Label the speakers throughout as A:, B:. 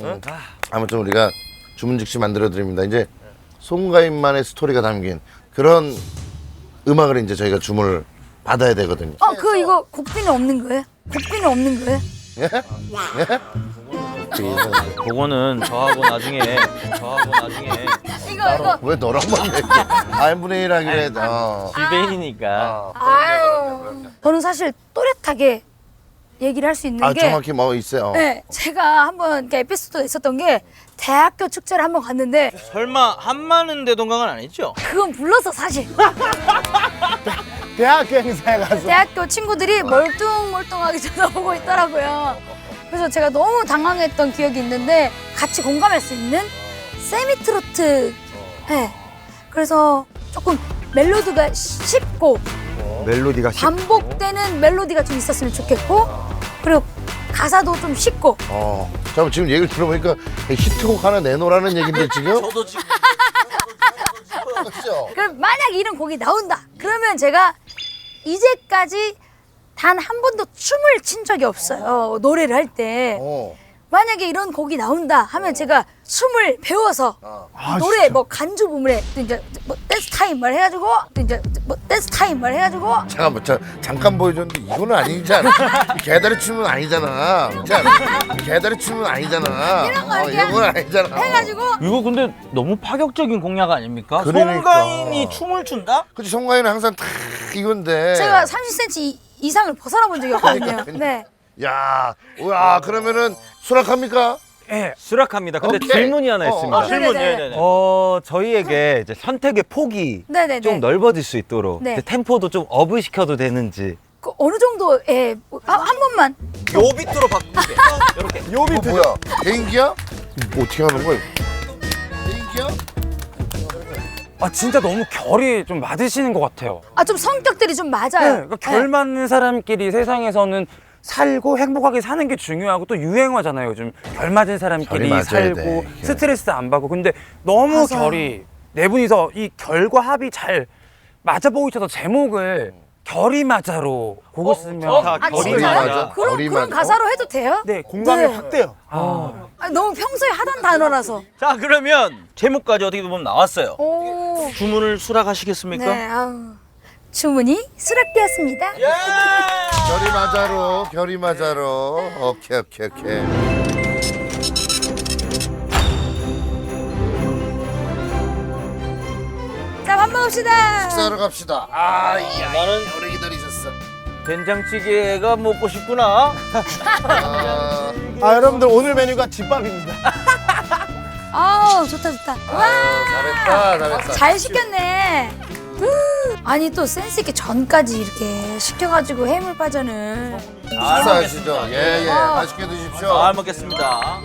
A: 아무튼 우리가 주문 즉시 만들어 드립니다. 이제 송가인만의 스토리가 담긴 그런 음악을 이제 저희가 주문을 받아야 되거든요.
B: 이거 곡비는 없는 거예요? 곡비는 없는 거예요?
A: 예? 예?
C: 그거는 저하고 나중에
B: 이거.
A: 왜 너랑만 얘기해? n분의 1 하기로 해.
C: 지배인이니까.
B: 아유. 저는 사실 또렷하게 얘기를 할 수 있는 게.
A: 정확히 뭐 있어요.
B: 네, 제가 한번 에피소드가 있었던 게 대학교 축제를 한번 갔는데
C: 설마 한마는 대동강은 아니죠?
B: 그건 불렀어 사실.
D: 대학교 행사에 가서
B: 대학교 친구들이 멀뚱멀뚱하게 쳐다보고 있더라고요. 그래서 제가 너무 당황했던 기억이 있는데 같이 공감할 수 있는 세미트로트. 네. 그래서 조금 멜로디가 쉽고
D: 멜로디가
B: 반복되는 멜로디가 좀 있었으면 좋겠고 그리고 가사도 좀 쉽고.
A: 잠깐 지금 얘기를 들어보니까 히트곡 하나 내놓으라는 얘긴데 지금?
C: 저도 지금
B: 그럼 만약 이런 곡이 나온다. 그러면 제가 이제까지 단 한 번도 춤을 춘 적이 없어요. 노래를 할 때. 만약에 이런 곡이 나온다 하면 제가 춤을 배워서 노래 뭐 간주 부문에 이제 뭐 댄스 타임 말 해가지고 이제 뭐 댄스 타임 말 해가지고
A: 잠깐만 잠깐 보여줬는데 이거는 아니지 않아? 개다리 춤은 아니잖아. 개다리 춤은 아니잖아.
B: 이런 거 이렇게
A: 이런 건 아니잖아.
B: 해가지고
C: 이거 근데 너무 파격적인 공약 아닙니까?
A: 그러니까.
C: 송가인이 춤을 춘다?
A: 그치 송가인은 항상 탁 이건데.
B: 제가 30cm 이상을 벗어나 본 적이 없거든요. 네.
A: 야, 그러면은 수락합니까?
E: 예, 수락합니다. 근데
A: 오케이.
E: 질문이 하나 있습니다.
C: 질문.
B: 네네네.
C: 네네네.
E: 저희에게 이제 선택의 폭이
B: 네네네.
E: 좀 넓어질 수 있도록
B: 네.
E: 이제 템포도 좀 업을 시켜도 되는지.
B: 그 어느 정도의 한 번만.
C: 요 비트로 바꿀게. 이렇게.
A: 이거 뭐야? 개인기야? 어떻게 하는 거야? 개인기야?
F: 진짜 너무 결이 좀 맞으시는 것 같아요.
B: 좀 성격들이 좀 맞아요.
F: 네, 그러니까 결 맞는 사람끼리 세상에서는 살고 행복하게 사는 게 중요하고 또 유행어잖아요. 요즘 결 맞은
A: 결이
F: 사람끼리
A: 맞아야
F: 살고
A: 돼.
F: 스트레스 안 받고. 근데 너무
B: 맞아.
F: 결이 네 분이서 이 결과 합이 잘 맞아 보이셔서 제목을 결이 맞아로 그거 쓰면
C: 결이
B: 진짜요?
C: 맞아.
B: 그런
A: 결이
B: 그런
A: 맞아?
B: 가사로 해도 돼요?
F: 네,
D: 공감이
B: 네.
D: 확 돼요.
B: 너무 평소에 하던 단어라서.
C: 자, 그러면 제목까지 어떻게 보면 나왔어요.
B: 오.
C: 주문을 수락하시겠습니까?
B: 네. 주문이 수락되었습니다.
A: 결이 맞아로. 오케이.
B: 자, 밥 먹읍시다.
A: 식사하러 갑시다.
C: 나는
A: 오래 기다리셨어.
C: 된장찌개가 먹고 싶구나.
D: 여러분들 오늘 메뉴가 집밥입니다.
B: 좋다.
A: 잘했다.
B: 잘 시켰네. 아니 또 센스 있게 전까지 이렇게 시켜가지고 해물파전을.
A: 식사하시죠. 예. 맛있게 드십시오.
C: 잘 먹겠습니다.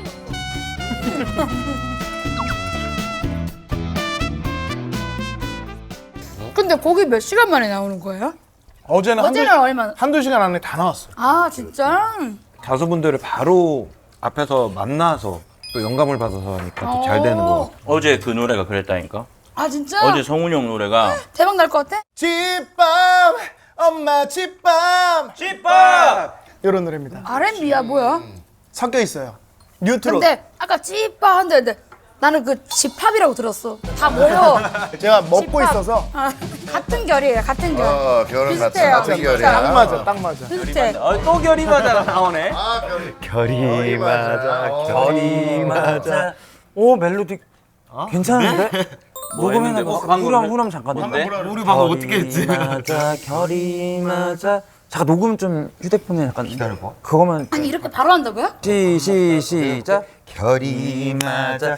B: 근데 고기 몇 시간 만에 나오는 거예요?
D: 어제는
B: 어제는 얼마나?
D: 한두 시간 안에 다 나왔어요.
B: 진짜?
E: 가수분들을 바로 앞에서 만나서 또 영감을 받아서 하니까 또 잘 되는 거.
C: 어제 그 노래가 그랬다니까.
B: 진짜?
C: 어제 성훈이 형 노래가
B: 대박 날 것 같아?
D: 집밥 엄마 집밥
C: 집밥!
D: 이런 노래입니다.
B: R&B야 뭐야?
D: 섞여 있어요. 뉴트로.
B: 근데 아까 찌빠 한데 나는 그 집합이라고 들었어. 다 모여.
D: 제가 먹고
B: 집밥.
D: 있어서
B: 같은 결이에요. 같은 결.
A: 결은
B: 비슷해요.
A: 같은 결이야.
D: 딱 맞아.
B: 비슷해.
C: 또 결이 맞아 나오네.
E: 결이 맞아.
A: 결이
E: 맞아.
F: 오 멜로디 괜찮은데?
C: 뭐 했는데? 뭐 방금
F: 후렴 잠깐.
C: 뭔데?
E: 우리 방금 어떻게 했지?
F: 맞아 결이 맞아. 잠깐 녹음 좀 휴대폰에 약간 기다려봐. 그거만
B: 아니 이렇게 바로 한다고요?
F: 시작. 결이 맞아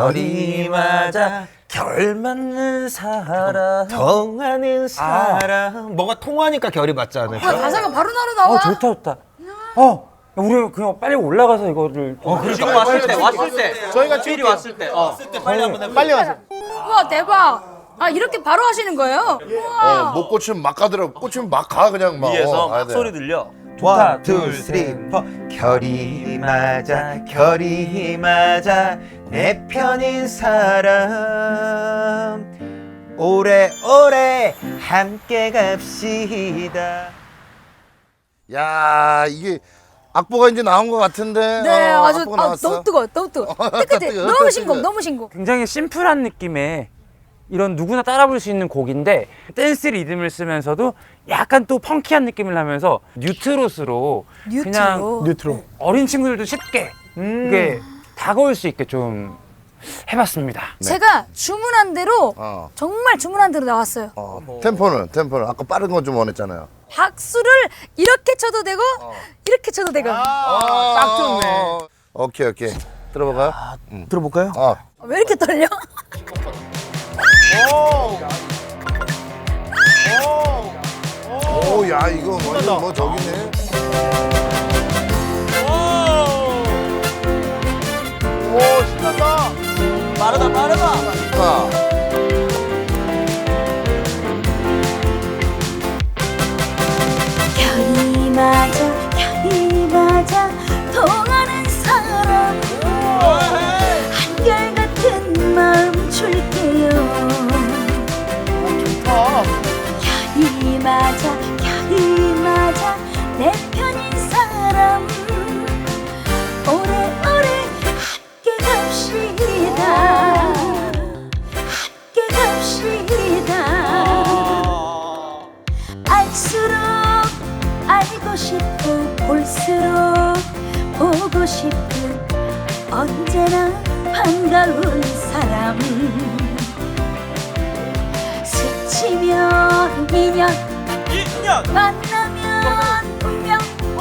F: 결 맞는 사람
E: 통하는 사람. 뭐가 통하니까 결이 맞지 않을까?
B: 가사가 바로 나와.
F: 좋다. 우리 그냥 빨리 올라가서 이거를
C: 지금 왔을 때
D: 저희가
C: 필이 왔을 때 빨리 한번 해볼게요.
D: 빨리 가세요.
B: 우와 대박. 이렇게 바로 하시는 거예요? 우와.
A: 못 꽂히면 막 가더라고. 꽂히면 막 가 그냥 막.
C: 위에서
A: 가야
C: 막
A: 돼.
C: 소리 들려.
E: 원, 투, 쓰리, 포. 결이 맞아 내 편인 사람 오래오래 함께 갑시다.
A: 야 이게 악보가 이제 나온 것 같은데.
B: 네, 아주
A: 악보가 나왔어.
B: 너무 뜨거워, 너무 뜨거워. 뜨뜻해.
A: 뜨거워,
B: 너무
A: 뜨거워.
B: 신곡, 너무 신곡.
F: 굉장히 심플한 느낌의 이런 누구나 따라 부를 수 있는 곡인데 댄스 리듬을 쓰면서도 약간 또 펑키한 느낌을 나면서 뉴트롯으로 그냥
D: 뉴트로.
F: 어린 친구들도 쉽게 이게 다가올 수 있게 좀 해봤습니다.
B: 제가 주문한 대로
A: 어.
B: 정말 주문한 대로 나왔어요.
A: 템포는 아까 빠른 거 좀 원했잖아요.
B: 박수를 이렇게 쳐도 되고 이렇게 쳐도 되고.
D: 딱 좋네.
A: 오케이. 들어볼까요?
C: 들어볼까요?
B: 왜 이렇게 떨려?
A: 오, 야, 이거 완전 뭐 저기네.
D: 오, 신난다.
C: 빠르다.
A: 아,
B: 별이 맞아 통하는 사람 한결같은 마음 줄게요. 별이 맞아 내 편인 사람 오래오래 함께 갑시다. 알수록 알고 싶고 볼수록 보고 싶은 언제나 반가운 사람. 스치면 인연 만나면 운명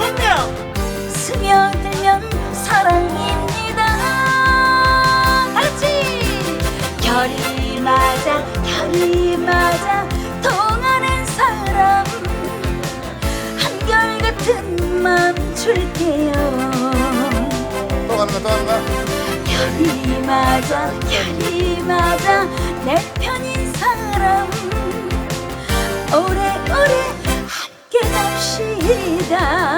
B: 스며들면 사랑입니다. 같이 별이 맞아 통하는 사람 한결같은 마음 줄게요.
A: 또 가는 거야.
B: 별이 맞아 내 편인 사람 오래오래 함께 갑시다.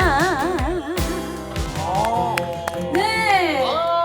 B: 네.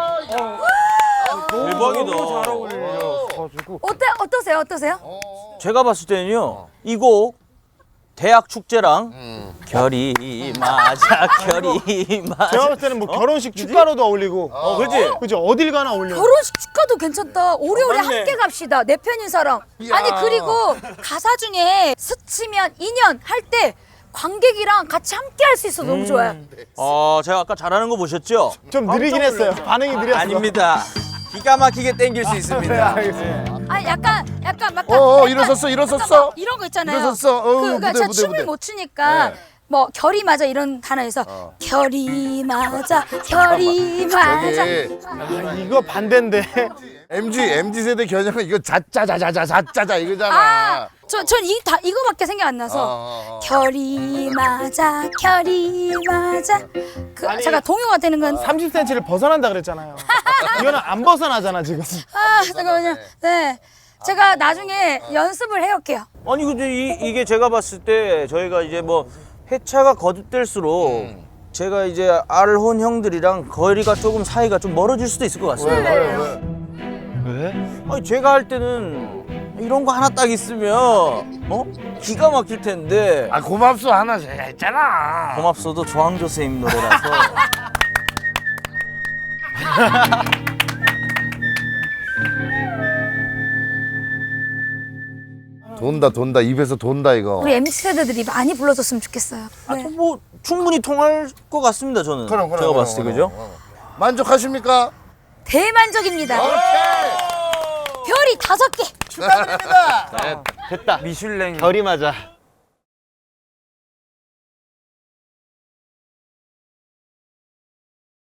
C: 대박이다.
F: 너무 잘 어울려가지고
B: 어떠세요?
C: 제가 봤을 때는요. 이 곡 대학 축제랑 결이 맞아.
D: 제가 봤을 때는 뭐 결혼식 축가로도 어울리고.
C: 그렇지?
D: 그죠? 어딜 가나 어울려.
B: 결혼식 축가도 괜찮다. 오래오래
C: 맞네.
B: 함께 갑시다. 내 편인 사람.
A: 이야.
B: 아니 그리고 가사 중에 스치면 인연 할 때 관객이랑 같이 함께 할 수 있어서 너무 좋아요.
C: 제가 아까 잘하는 거 보셨죠?
D: 좀 느리긴 했어요. 반응이 느렸어.
C: 아닙니다. 기가 막히게 땡길 수 있습니다.
B: 아 약간 막
A: 일어섰어.
B: 이런 거 있잖아요.
A: 일어섰어.
B: 그러니까 제가 춤을
A: 무대.
B: 못 추니까
A: 네.
B: 뭐 결이 맞아 이런 단어에서 결이 맞아.
A: 저기
D: 이거 반대인데.
A: MZ 세대 겨냥은 이거 자짜자자자 이거잖아.
B: 전 이거밖에 생각 안 나서 결이 맞아. 제가 동요가 되는 건
D: 30cm를 벗어난다 그랬잖아요. 이거는 안 벗어나잖아 지금.
B: 잠깐만요. 네. 제가 나중에 연습을 해올게요.
C: 아니 근데 이게 제가 봤을 때 저희가 이제 뭐 회차가 거듭될수록 제가 이제 알혼 형들이랑 거리가 조금 사이가 좀 멀어질 수도 있을 것 같습니다.
E: 왜?
C: 아니 제가 할 때는 이런 거 하나 딱 있으면 기가 막힐 텐데
A: 아, 고맙소 하나 했잖아.
C: 고맙소도 조항조 선생님 노래라서
A: 돈다 입에서 돈다 이거.
B: 우리 MZ 세대들이 많이 불러줬으면 좋겠어요. 네.
C: 뭐 충분히 통할 것 같습니다 저는. 제가 봤을 때 그죠?
A: 만족하십니까?
B: 대만족입니다. 별이 5개.
D: 축하드립니다.
E: 됐다.
F: 미슐랭
E: 결이 맞아.